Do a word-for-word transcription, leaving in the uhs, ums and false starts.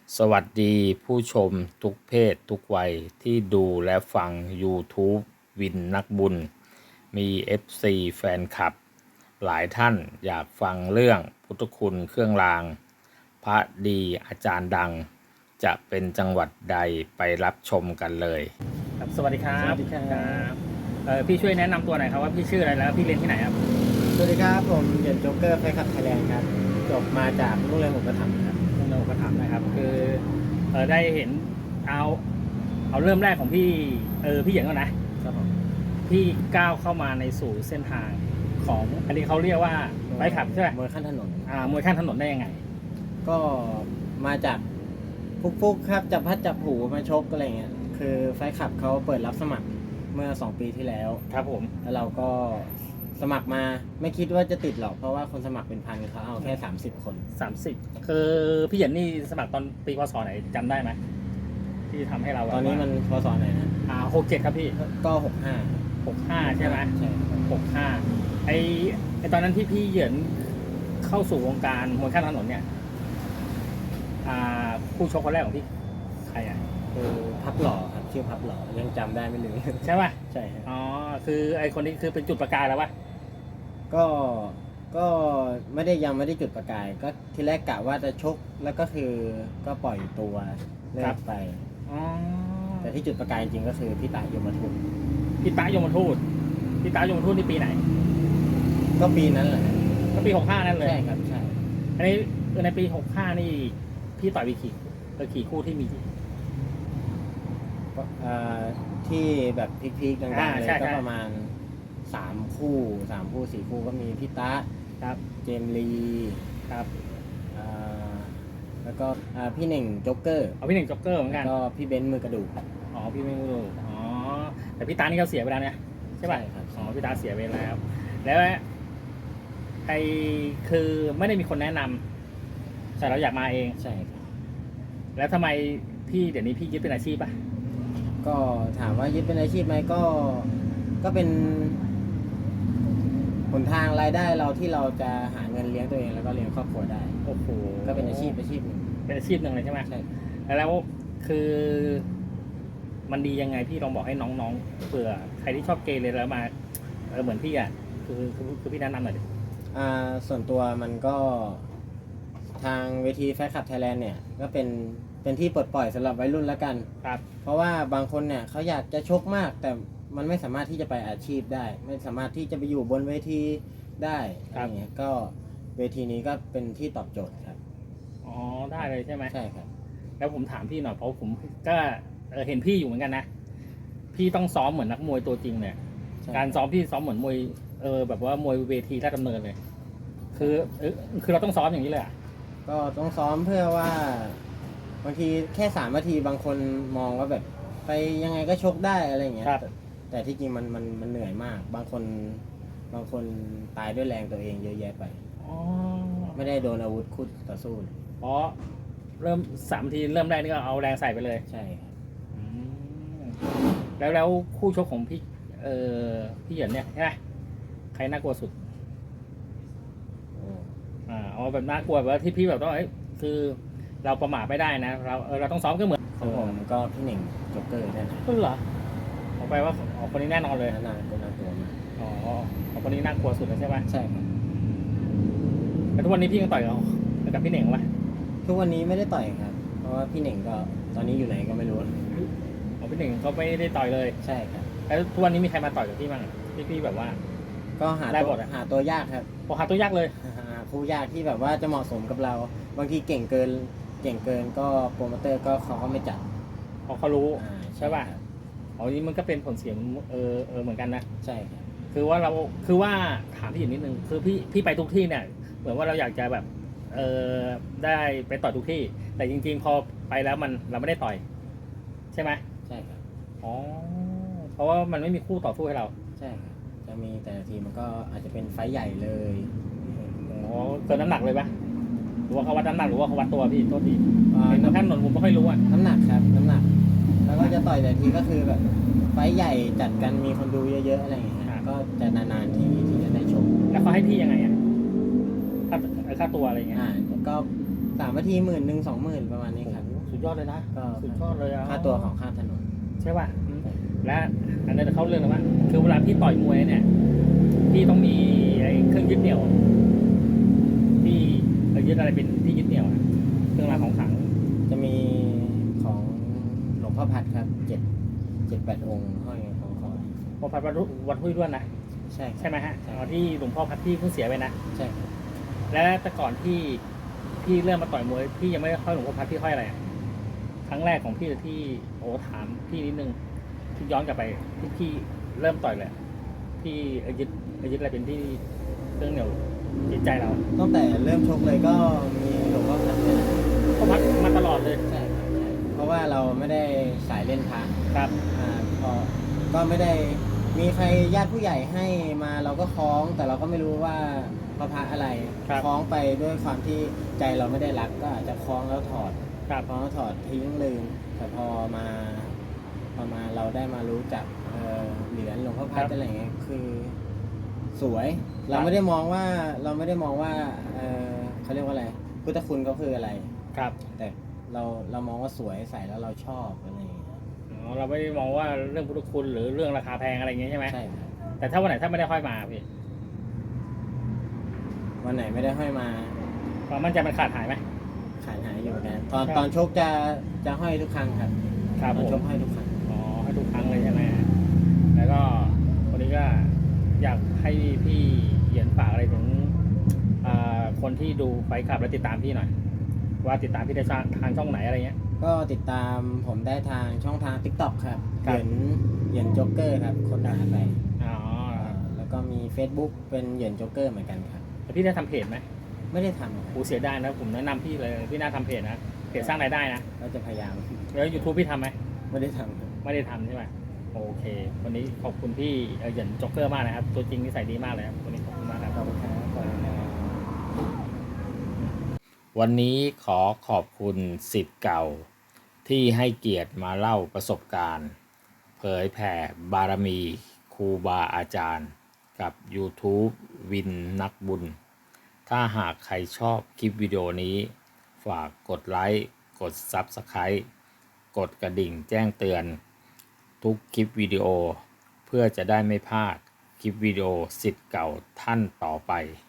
สวัสดีผู้ชมทุกเพศทุกวัยที่ดูและฟัง YouTube วินนักบุญ มี เอฟ ซี แฟนคลับ หลายท่านอยากฟังเรื่องพุทธคุณเครื่องราง พระดีอาจารย์ดัง จะเป็นจังหวัดใดไปรับชมกันเลยครับสวัสดีครับสวัสดีครับเออพี่ช่วยแนะนำตัวหน่อยครับว่าพี่ชื่ออะไรแล้วพี่เรียนที่ไหนครับสวัสดีครับผมเหรียญโจ๊กเกอร์ไฟขับไทยแลนด์ครับจบมาจากโรงเรียนอุปถัมภ์ครับโรงเรียนอุปถัมภ์นะครับคือเออได้เห็นเอาเอาเริ่มแรกของพี่เออพี่เหยียนก่อนนะครับผมพี่ก้าวเข้ามาในสู่เส้นทางของอันนี้เขาเรียกว่าไบค์ขับใช่ไหมมวยขั้นถนนอ่ามวยข้างถนนได้ยังไงก็มาจากฟุกๆครับจับพัดจับผูมาชกอะไรเงี้ยคือไฟขับเขาเปิดรับสมัครเมื่อสองปีที่แล้วครับผมแล้วเราก็สมัครมาไม่คิดว่าจะติดหรอกเพราะว่าคนสมัครเป็นพันเขาเอาแค่สามสิบคนสามสิบคือพี่เหยียนนี่สมัครตอนปีพศไหนจำได้ไหมที่ทำให้เราตอนนี้มันพศไหนนะอ่าหกเจ็ดครับพี่ก็หกห้าหกห้าใช่ไหมใช่ครับหกห้าไอไอตอนนั้นที่พี่เหยินเข้าสู่วงการมวยข้างถนนเนี่ยอ่าผู้ชกคนแรกของพี่ใครอ่ะคือพับหล่อครับชื่อพับหล่อยังจำได้ไม่ลืมใช่ป่ะใช่ครับอ๋อคือไอคนนี้คือเป็นจุดประกายแล้วป่ะก็ ก็ไม่ได้ยังไม่ได้จุดประกาย ก็ทีแรกกะว่าจะชก แล้วก็คือก็ปล่อยตัวเลิกไปอ๋อแต่ที่จุดประกายจริงก็คือพี่ตายยมทุนพี่ตายมทูตพี่ตายมทูตนี่ปีไหนก็ปีนั้นแหละก็ปีหกห้านั่นเลยใช่ครับ ใช่อันนี้ในปีหกห้านี่พี่ต่อยไปกี่เออกี่คู่ที่มีก็เอ่อที่แบบพีคๆดังอ่าๆเลยใช่ก็ใช่ประมาณสามคู่สามคู่สี่คู่ก็มีพี่ตาครับเจมส์ลีครับเอ่อแล้วก็อ่าพี่หนึ่งโจ๊กเกอร์เอาพี่หนึ่งจ็อกเกอร์เหมือนแล้กัวน ก็พี่เบนซ์มือกระดูกอ๋อพี่ไม่รู้อ๋อแต่พี่ตานี่เขาเสียไปแล้วเนี่ยใช่ป่ะใช่ครับอ๋อพี่ตาเสียไปแล้ว แล้วไอคือไม่ได้มีคนแนะนำแต่เราอยากมาเองใช่ครับแล้วทำไมพี่เดี๋ยวนี้พี่ยึดเป็นอาชีพป่ะก็ถามว่ายึดเป็นอาชีพไหมก็ก็เป็นหนทางรายได้เราที่เราจะหาเงินเลี้ยงตัวเองแล้วก็เลี้ยงครอบครัวได้โอ้โหก็เป็นอาชีพอาชีพหนึ่งเป็นอาชีพหนึ่งเลยใช่ไหมใช่แล้วคือมันดียังไงพี่ลองบอกให้น้องๆเผื่อใครที่ชอบเกเรแล้วมาเออเหมือนพี่อ่ะคือคือคือพี่แนะนำหน่อยดิอ่าส่วนตัวมันก็ทางเวทีแฟขับไทยแลนด์เนี่ยก็เป็นเป็นที่ปลดปล่อยสำหรับวัยรุ่นแล้วกันครับเพราะว่าบางคนเนี่ยเขาอยากจะชกมาก แต่มันไม่สามารถที่จะไปอาชีพได้ ไม่สามารถที่จะไปอยู่บนเวทีได้อะไรเงี้ยก็เวทีนี้ก็เป็นที่ตอบโจทย์ครับอ๋อได้เลยใช่ไหมใช่ครับแล้วผมถามพี่หน่อยเพราะผมก็เออเห็นพี่อยู่เหมือนกันนะพี่ต้องซ้อมเหมือนนักมวยตัวจริงเลยใช่การซ้อมพี่ซ้อมเหมือนมวยเออแบบว่ามวยเวทีราชดำเนินเลย คือเออคือเราต้องซ้อมอย่างนี้เลยอ่ะก็ต้องซ้อมเพื่อว่าบางทีแค่สามนาทีบางคนมองว่าแบบไปยังไงก็ชกได้อะไรอย่างเงี้ยครับแต่แต่ที่จริงมันมันมันเหนื่อยมาก บางคนบางคนตายด้วยแรงตัวเองเยอะแยะไปอ๋อไม่ได้โดนอาวุธคู่ต่อสู้เลยเพราะเริ่มสามทีเริ่มแรกนี่ก็เอาแรงใส่ไปเลยใช่ครับอืมแล้วแล้วคู่ชกของพี่เออพี่เหยินเนี่ยใช่ไหมใครน่ากลัวสุดโอ้อ่าเอาแบบน่ากลัวแบบว่าที่พี่แบบต้องเอ้ยคือเราประมาทไม่ได้นะเราเออเราต้องซ้อมก็เหมือนของผมก็พี่เหน่งโจ๊กเกอร์แน่นอนก็เหรอเอาไปว่าอ๋อคนนี้แน่นอนเลยน่าก็น่ากลัวมากอ๋อเอาคนนี้น่ากลัวสุดแล้วใช่ไหมใช่ครับแต่ทุกวันนี้พี่ยังต่อยกับกับพี่เหน่งปะทุกวันนี้ไม่ได้ต่อยครับ เพราะว่าพี่เหน่งก็ตอนนี้อยู่ไหนก็ไม่รู้อ๋อพี่เหน่งก็ไม่ได้ต่อยเลยใช่ครับแล้วทุกวันนี้มีใครมาต่อยกับพี่บ้างพี่พี่แบบว่าก็หาได้ตัวหมดอะหาตัวยากครับพอหาตัวยากเลยหาคู่ยากที่แบบว่าจะเหมาะสมกับเรา บางทีเก่งเกิน เก่งเกินก็โปรโมเตอร์ก็เขาก็ไม่จัดพอเขารู้อ่าใช่ป่ะครับอ๋อนี่มันก็เป็นผลเสียเออเออเหมือนกันนะใช่ครับคือว่าเราคือว่าถามพี่อยู่นิดนึงคือพี่พี่ไปทุกที่เนี่ยเหมือนว่าเราอยากจะแบบเออได้ไปต่อยทุกที่ แต่จริงๆพอไปแล้วมันเราไม่ได้ต่อย ใช่ไหมใช่ครับอ๋อเพราะว่ามันไม่มีคู่ต่อสู้ให้เราใช่ครับ จะมีแต่ละทีมันก็อาจจะเป็นไฟท์ใหญ่เลยอ๋อเกินน้ำหนักเลยปะหรือว่าเขาวัดน้ำหนักหรือว่าเขาวัดตัวพี่โทษทีอ่าเห็นบางท่านหนนผมไม่ค่อยรู้อ่ะน้ำหนักครับ น้ำหนัก แล้วก็จะต่อยแต่ทีก็คือแบบ ไฟท์ใหญ่จัดกันมีคนดูเยอะๆอะไรอย่างเงี้ยฮะก็จะนานๆทีที่จะได้ชมแล้วเขาให้พี่ยังไงอ่ะค่าค่าตัวอะไรเงี้ยอ่าแล้วก็สามนาทีหมื่นหนึ่งสองหมื่นประมาณนี้ครับโอ้โหสุดยอดเลยนะก็สุดยอดเลยอ่ะค่าตัวของค่าถนนใช่ป่ะอืมและอันนั้นเขาเรื่องอะไรวะคือเวลาพี่ต่อยมวยเนี่ยพี่ต้องมีไอ้เครื่องยึดเหนี่ยวพี่เอายึดอะไรเป็นที่ยึดเหนี่ยวอะเครื่องรางของขลังจะมีของหลวงพ่อพัดครับเจ็ดเจ็ดแปดองค์ห้อยของคอพอพัดวัดวัดห้วยด้วนนะใช่ครับใช่ไหมฮะใช่อ๋อที่หลวงพ่อพัดที่เพิ่งเสียไปนะใช่ครับและแต่ก่อนที่พี่เริ่มมาต่อยมวยพี่ยังไม่ได้ห้อยหลวงพ่อพัดพี่ห้อยอะไรอะครั้งแรกของพี่ที่โอ้ถามพี่นิดนึงที่ย้อนกลับไปที่พี่เริ่มต่อยเลยพี่เอายึดเอายึดอะไรเป็นที่เครื่องเหนี่ยวจิตใจเราตั้งแต่เริ่มชกเลยก็มีหลวงพ่อพัดเนี่ยนะพ่อพัดมาตลอดเลยใช่ครับใช่เพราะว่าเราไม่ได้สายเล่นพระครับอ่าพอก็ไม่ได้มีใครญาติผู้ใหญ่ให้มาเราก็คล้อง แต่เราก็ไม่รู้ว่าพระพระอะไรครับคล้องไปด้วยความที่ใจเราไม่ได้รักก็อาจจะคล้องแล้วถอดครับคล้องแล้วถอดทิ้งลืมแต่พอมาพอมาเราได้มารู้จักเอ่อเหรียญหลวงพ่อพัดอะไรอย่างเงี้ยคือสวย เราไม่ได้มองว่าเราไม่ได้มองว่าเอ่อเขาเรียกว่าอะไรพุทธคุณก็คืออะไรครับแต่เราเรามองว่าสวยใส่แล้วเราชอบอะไรอย่างเงี้ยอ๋อเราไม่ได้มองว่าเรื่องพุทธคุณหรือเรื่องราคาแพงอะไรอย่างเงี้ยใช่ไหมใช่ครับแต่ถ้าวันไหนถ้าไม่ได้ห้อยมาพี่วันไหนไม่ได้ห้อยมาความมั่นใจมันขาดหายไหมขายหายอยู่เหมือนกันตอนครับตอนชกจะจะห้อยทุกครั้งครับครับตผอนชมกห้อยทุกครั้งอ๋อให้ทุกครั้งเลยใช่ไหมแล้วก็วันนี้ก็อยากให้พี่เหยียนฝากอะไรถึงอ่าคนที่ดูไฟท์คลับและติดตามพี่หน่อย ว่าติดตามพี่ได้ทางช่องไหนอะไรเงี้ยก็ติดตามผมได้ทางช่องทาง TikTok ครับครัเหบยินเหยินโจ๊กเกอร์ครับคนหาไปอ๋ออ่าแล้วก็มี Facebook เป็นเหยินโจ๊กเกอร์เหมือนกันครับแต่พี่ได้ทำเพจไหมไม่ได้ทำครับกูเสียดายนะผมแนะนำพี่เลยพี่น่าทำเพจนะเพจสร้างรายได้นะก็จะพยายามแล้ว YouTube พี่ทำไหมไม่ได้ทำครับไม่ได้ทำใช่ไหมโอเค วันนี้ขอบคุณพี่เอ่อเหยินจ็อกเกอร์มากนะครับ ตัวจริงนิสัยดีมากเลยครับวันนี้ขอบคุณมากครับขอบคุณครับขอบคุณครับวันนี้ขอขอบคุณศิษย์เก่า ที่ให้เกียรติมาเล่าประสบการณ์ เผยแผ่บารมีครูบาอาจารย์ กับ YouTube วินนักบุญ ถ้าหากใครชอบคลิปวิดีโอนี้ ฝากกดไลค์ กด Subscribe กดกระดิ่งแจ้งเตือน ทุกคลิปวิดีโอ เพื่อจะได้ไม่พลาดคลิปวิดีโอศิษย์เก่าท่านต่อไป